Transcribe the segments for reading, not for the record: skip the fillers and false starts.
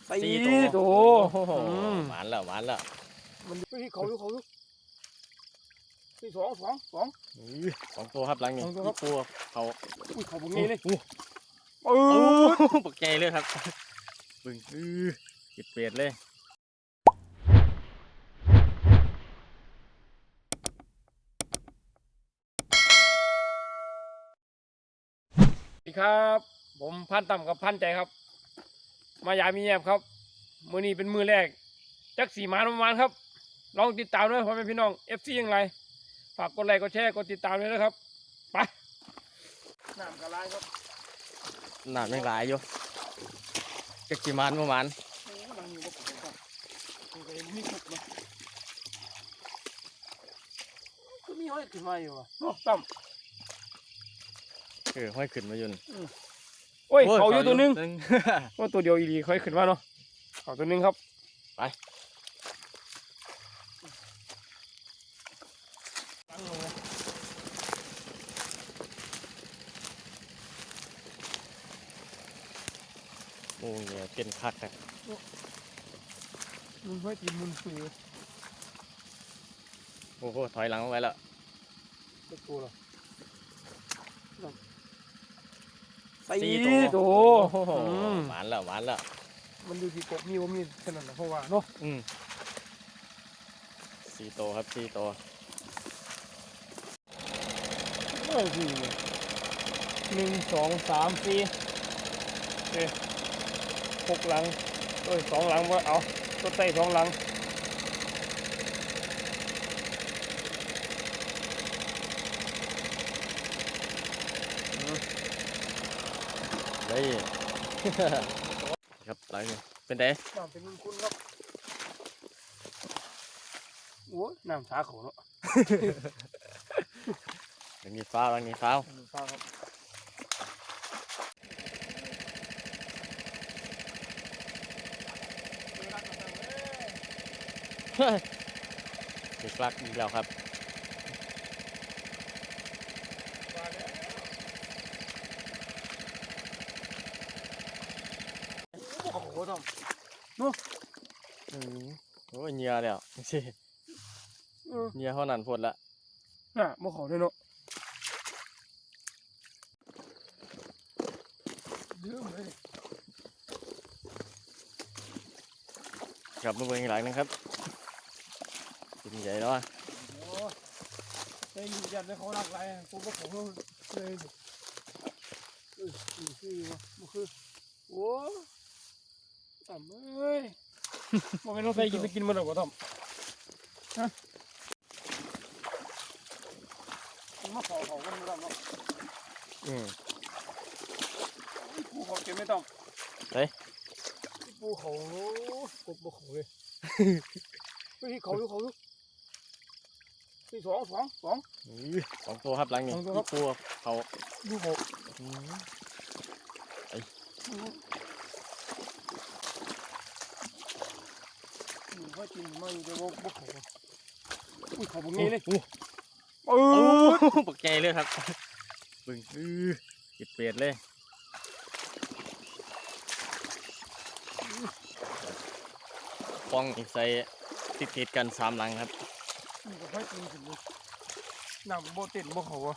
สี่ตัวหวานแล้วมันที่เขาที่สองตัวครับหลังนี้ปูเขาพวกนี้เลยปักใจเลยครับบึ้งจิตเปลี่ยนเลยสวัสดีครับผมพันต่ำกับพันใจครับมายามีแยบครับมื้อนี้เป็นมื้อแรกจักสีมานประมาณครับลองติดตามด้วยพ่อแม่พี่น้อง FC ยังไงฝากกดไลค์กดแชร์กดติดตามด้วยนะครับไปน้ำกระไรครับน้ำยังไหลอยู่จักสีมานประมาณมีห้อยขึ้นมาอยู่อ่ะต่ำห้อยขึ้นมาอยู่โอ้ยเขาอยู่ตัวนึงว่าตัวเดียวอีดีค่อยขึ้นมาเนาะเขาตัวนึงครับไปโอ้ยเป็นคักครับมันค่อยกินมันฝืดโอ้โหถอยหลังไว้แล้วเล็กตัวเหรอสี่ตัวหวานแล้วมันดูที่กบมีว่ามีขนาดไหนเพราะว่าเนาะสี่ตัวครับสี่ตัว1 2 3 4โอเค6 หลัง2 หลังว่าเอาตัวไต่2 หลังได้ครับหลังนี้เป็นไงน้ำเป็นคุณครับโอ้น้ำสาเขาเนาะหลังนี้ฟ้าครับติดปลักอีกแล้วครับโอ้โหทำนู้โอ้ยเงียแล้วสิเงียเท่านั้นพดละน่ะบ่เขาด้วยเนาะดื้อเลยกลับมาเบิ่งอีกหลังนึงครับกินใหญ่แล้วอ่ะไอ้ยืนยันเลยเขารักไรกูก็เขาเลยคือโอ้ต่ำเอ้ยมันไม่ต้องใส่กินมันหรอกต่ำฮะมาขอกันไม่ได้เนาะปูเขาเก็บไม่ต้องเฮ้ยปูเขากบเขาเลยที่เขาที่สองตัวครับหลังนี้ปูเขาดูเขาค่อยกินมาอยู่แต่ว่าเขาพวกนี้เลยปักใจเลยครับบึ้งจิตเปลี่ยนเลยฟองใส่ติดกัน3 หลังครับค่อยกินถึงน้ำโบเต็นบ่เขา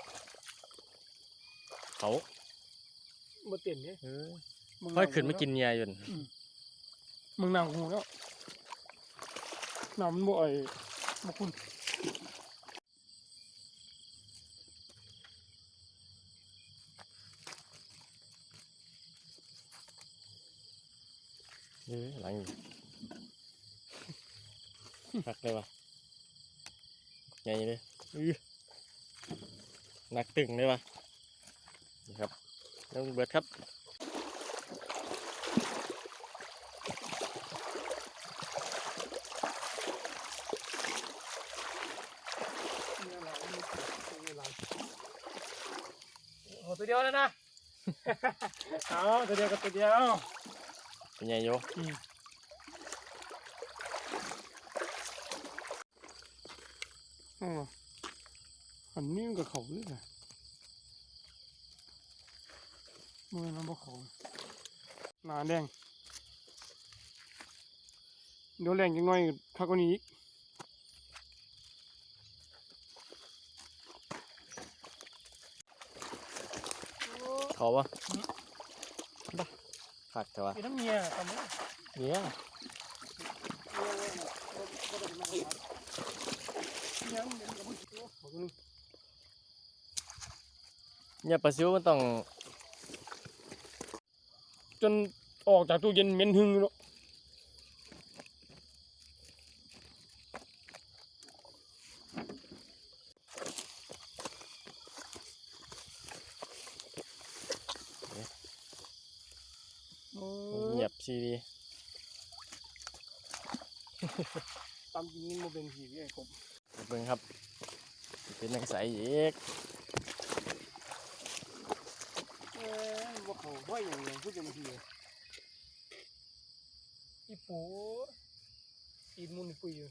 โบเต็นเนี่ยค่อยขึ้นมากินเนียอยู่มึงนั่งหูแล้วน้ำมันบ่อยมาคุณหลังหักเลยวะใหญ่เลยหนักตึงเลยวะนี่ครับน้องเบิร์ดครับตัวเดียวเลยนะเอาตัวเดียวกับตัวเดียวเป็นไงโยอันนี้มันกับเขาเลยนะมือน้ำบ่เขาหนาแดงเดี๋ยวแรงจังน้อยคักกว่านี้อีกเขาปะขัดแต่ว่าไอ้น้ำเมียทำไมเนี่ยเนี่ยปลาซิวมันต้องจนออกจากตู้เย็นเหม็นหึงแล้วเงียบซีดีตามจริงนี่มันเป็นผีไอ้กบเบิ่งครับเป็นนังใสอีกว่าเขาห้อยอย่างเงี้ยพูดจะมาทีอีปูอีมุนปุยอยู่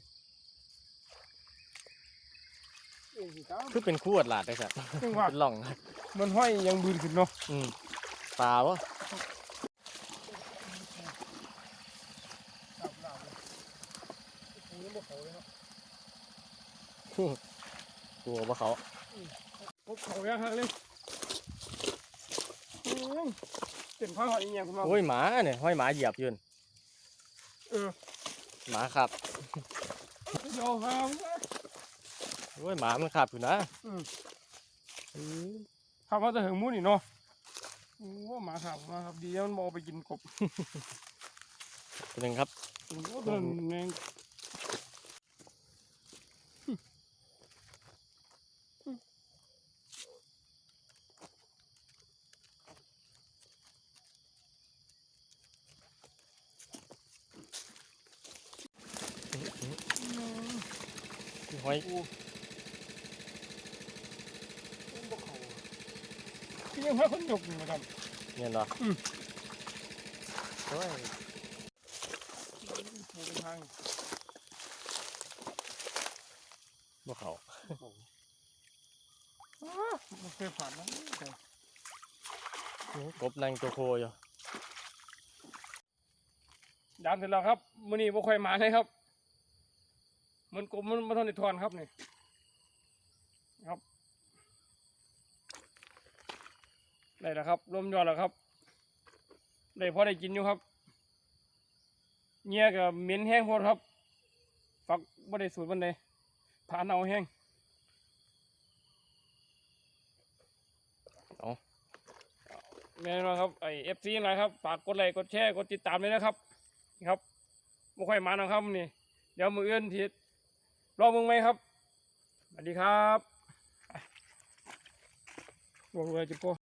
เอ้ยสิครับคือเป็นขวดหลาดได้สัตว์จังหวะเป็นหล่องมันห้อยยังบืนขึ้นเนาะปลาวะหลับเลยปูนี่บ่เขาเลยเนาะตัวปลาเขาพบเขาอย่างเลยเต็มข้าวหอยอย่างเงี้ยคุณพ่อโอ้ยหมาเนี่ยห้อยหมาเหยียบอยืนเออหมาขับเดี๋ยวครับโอ้ยหมามันขับอยู่นะขับมาแต่ถึงมุ่นนี่เนาะโอ้หมาขับมาครับดีแล้วมันบอไปกินกบตัวหนึ่งครับโอ้เดินแมงห้อยที่ยังพาคนยกอยู่นะครับเนี่ยเหรอโอ้ยปูเป็นทางปลาเขาไม่เคยผ่านนะโอ้กบนางตัวโคอยู่ยามเสร็จแล้วครับมื้อนี้บ่ค่อยมาเลยครับมันกบมันมาทอนในทอนครับนี่ครับได้แล้วครับรวมยอดแล้วครับได้พอได้กินอยู่ครับเงี้ยกับเหม็นแห้งโพดครับฝักบ่ได้สูตรบันไดผ่านเอาแห้งแน่นอนครับไอFC นะครับฝากกดไลค์กดแชร์กดติดตามเลยนะครับครับบ่ค่อยมานะครับนี่เดี๋ยวมื้ออื่นทีรอมึงไหมครับสวัสดีครับบอกเลยจิโป้